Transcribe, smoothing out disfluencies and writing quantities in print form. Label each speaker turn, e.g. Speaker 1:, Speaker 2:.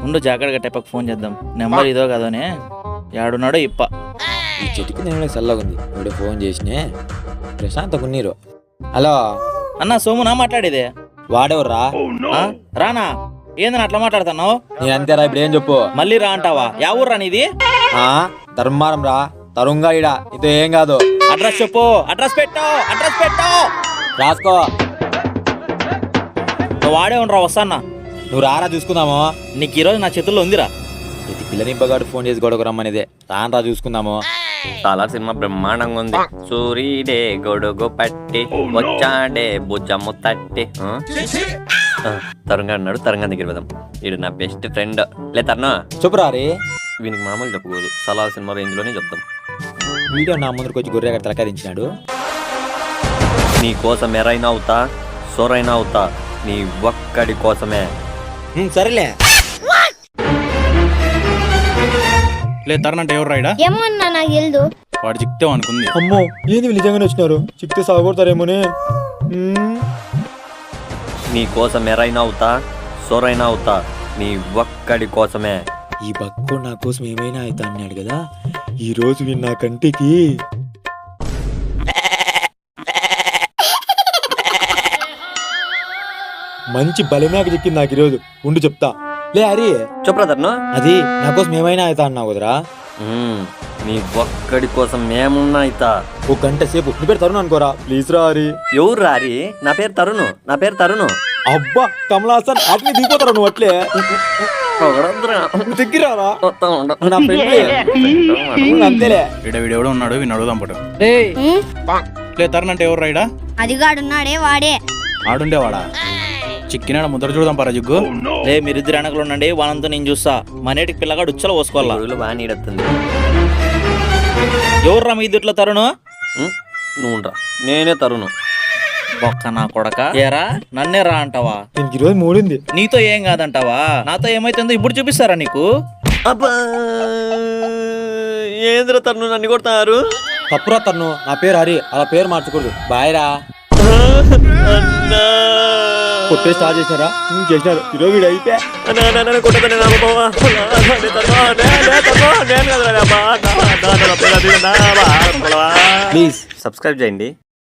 Speaker 1: ఉండు జాగ్రత్తగా టైపక్ ఫోన్ చేద్దాం. నెంబర్ ఇదో కదనే యాడున్నాడో ఇప్ప.
Speaker 2: ఈ చెట్టుకి నేను చల్లగుంది. ఇప్పుడు ఫోన్ చేసినే ప్రశాంత్ కున్నీరు. హలో
Speaker 1: అన్న సోమునా మాట్లాడేదే?
Speaker 2: వాడెవర్రా?
Speaker 1: రానా ఏందని అట్లా మాట్లాడుతున్నావు?
Speaker 2: నేను అంతేరా, ఇప్పుడు ఏం చెప్పు?
Speaker 1: మళ్ళీ రా అంటావా? యా ఊర్రా నీది?
Speaker 2: ధర్మారం రా, తరుంగా ఇడ. ఇదో ఏం కాదు.
Speaker 1: అడ్రస్ చెప్పు. అడ్రస్ పెట్టు. అడ్రస్ పెట్టు.
Speaker 2: రాసుకో.
Speaker 1: నువ్వు వాడే ఉండరా, వస్తానా.
Speaker 2: నువ్వు రారా చూసుకుందాము.
Speaker 1: నీకు ఈరోజు నా చేతుల్లో ఉందిరా.
Speaker 2: ఇది పిల్లనింపగాడు ఫోన్ చేసి గొడవకు రమ్మనేదే. రానరా చూసుకుందాము.
Speaker 3: సాలార్ సినిమా బ్రహ్మాండంగా ఉంది. సూర్యుడే గొడుగు పట్టి వచ్చాడే భుజము తట్టి. తరుణ్ అన్నాడు, తరుణ్ దగ్గర వెళ్దాం. వీడు నా బెస్ట్ ఫ్రెండ్. లే తరుణ్,
Speaker 2: చెప్పురా రే.
Speaker 3: వీనికి మామూలు చెప్పకూడదు, సలార్ సినిమా రేంజ్ లోనే చెప్తాం.
Speaker 2: వీడియో నా ముందుకు వచ్చి గొర్రె తలకాయించినాడు.
Speaker 3: నీ కోసం ఎరైనా అవుతా, సొరైనా అవుతా, నీ ఒక్కడి కోసమే.
Speaker 2: సరేలే.
Speaker 4: లే తరుణ్ అంటే ఎవరు రాయడా?
Speaker 5: ఏమన్నా నాకు తెలుదు.
Speaker 4: వాడు చిక్తావు అనుకుంది.
Speaker 2: అమ్మో ఏంది వీళ్ళు నిజంగానే వచ్చినారు. చిక్తే సాగొడతారేమోనే.
Speaker 3: నీ కోసం ఎరైనా అవుతా, సొరైనా అవుతా, నీ ఒక్కడి కోసమే.
Speaker 2: ఈ బక్కు నా కోసం ఏమైనా అవుతా అన్నాడు కదా. ఈ రోజు వీడు నా కంటికి మంచి బలమేక చిక్కింది నాకు ఈరోజు. ఉండి చెప్తా. లే హరి,
Speaker 3: చెప్పురా తరుణ్.
Speaker 2: అది నా కోసం ఏమైనా అవుతా అన్నావు కదరా.
Speaker 3: నీ ఒక్కడి కోసం మేమున్నా అయితా.
Speaker 2: ఒక గంట సేపు నీ పేరు తరుణ్ అనుకోరా ప్లీజ్ రా హరి.
Speaker 3: ఎవరు రారి? నా పేరు తరుణ్. నా పేరు తరుణ్.
Speaker 2: అబ్బా కమలాసన్ అట్నే దిగిపోతారా నువ్వు అట్లే. దగ్గరారా నా ఫ్రెండ్ అంతేలే.
Speaker 4: వీడెవడో ఉన్నాడు, వీడిని అడుగుదాం పడు. లే తరుణ్ అంటే ఎవరు రాయడా?
Speaker 5: అదిగాడున్నాడే వాడే.
Speaker 4: ఆడుండేవాడా? చిక్కినాడ ముద్ర చూడదాం పరా జిగ్గు.
Speaker 1: లే మీరిద్దరు వెనకలు ఉండండి, వాళ్ళంతా నేను చూస్తా. మనేటికి పిల్లగాడు ఉచ్చలో పోసుకోవాలా.
Speaker 3: ఊళ్ళో బాగా నీడొస్తుంది.
Speaker 1: ఎవర్రా మీ ఇద్దట్లో తరుణు?
Speaker 3: నువ్వు రా, నేనే తరుణ్.
Speaker 1: ఒక్క నా కొడక. ఏరా నన్నే రా అంటావా?
Speaker 2: దీనికి ఈరోజు మూడింది.
Speaker 1: నీతో ఏం కాదంటావా? నాతో ఏమైతుందో ఇప్పుడు చూపిస్తారా నీకు?
Speaker 3: అబ్బా ఏంద్ర తరుణ్ నన్ను కొడతారు?
Speaker 2: తప్పురా తరుణ్, నా పేరు హరి. అలా పేరు మార్చకూడదు. బాయ్ రా. కొట్టే స్టార్ట్ చేసినారా? చేసినారు. ఈరోజు వీడు అయిపోయా.
Speaker 3: ప్లీజ్ సబ్స్క్రైబ్ చేయండి.